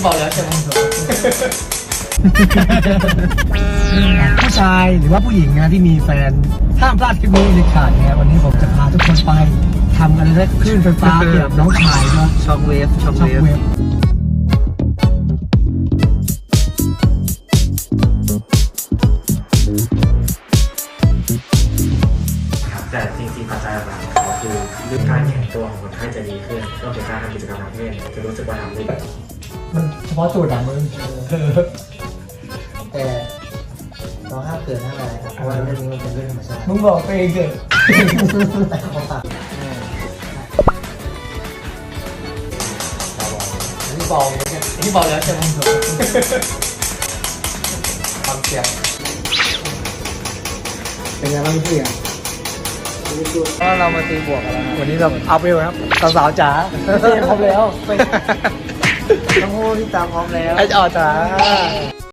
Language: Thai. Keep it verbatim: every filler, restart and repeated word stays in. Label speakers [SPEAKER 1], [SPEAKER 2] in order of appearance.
[SPEAKER 1] เบาแล้วใช่ไหม
[SPEAKER 2] ผู้ชายหรือว่าผู้หญิงนะที่มีแฟนห้ามพลาดคลิปนี้เด็ดขาดเนี่ยวันนี้ผมจะพาทุกคนไปทำอะไรได้คลื่นไฟฟ้าเกี่ยวกับน้องชายเนาะ
[SPEAKER 1] ช็อคเวฟช็อค
[SPEAKER 2] ช็อ
[SPEAKER 1] เว
[SPEAKER 2] ค
[SPEAKER 1] ฟ
[SPEAKER 2] เวฟ
[SPEAKER 3] แต่จริงๆปัจจัยหลักๆของเขาคือเรื่องการแข็งตัวของคนไข้จะดีขึ้นรวมถึงการทำกิจกรรมทางเพศจะรู้สึกว่าทำได้ดี
[SPEAKER 2] มันเฉพาะจุดอะมึง
[SPEAKER 1] แต่เราห้ามเกิดห้ามอะไรครับเพราะว่าเรื่องนี้มันเป็นเรื่องธรรมชาติ
[SPEAKER 2] มึงบอกตัวเองเถอะ
[SPEAKER 1] แต่เขาตัดอันนี้เบาเลยเนี่ยอันนี้เบาแล้วใช่ไหมความเสี่ยง
[SPEAKER 2] เป็นไงบ้างพี่อ่ะ
[SPEAKER 1] ก็เรามาตีบวกกันแล้ว
[SPEAKER 2] วันนี้เราอัพเวลครับสาวๆจ๋าเตรียมพร้อมแล้ว
[SPEAKER 1] ทั้งคู่ที่ตามพร้อมแล้ว
[SPEAKER 2] ไอ้จอจ๋า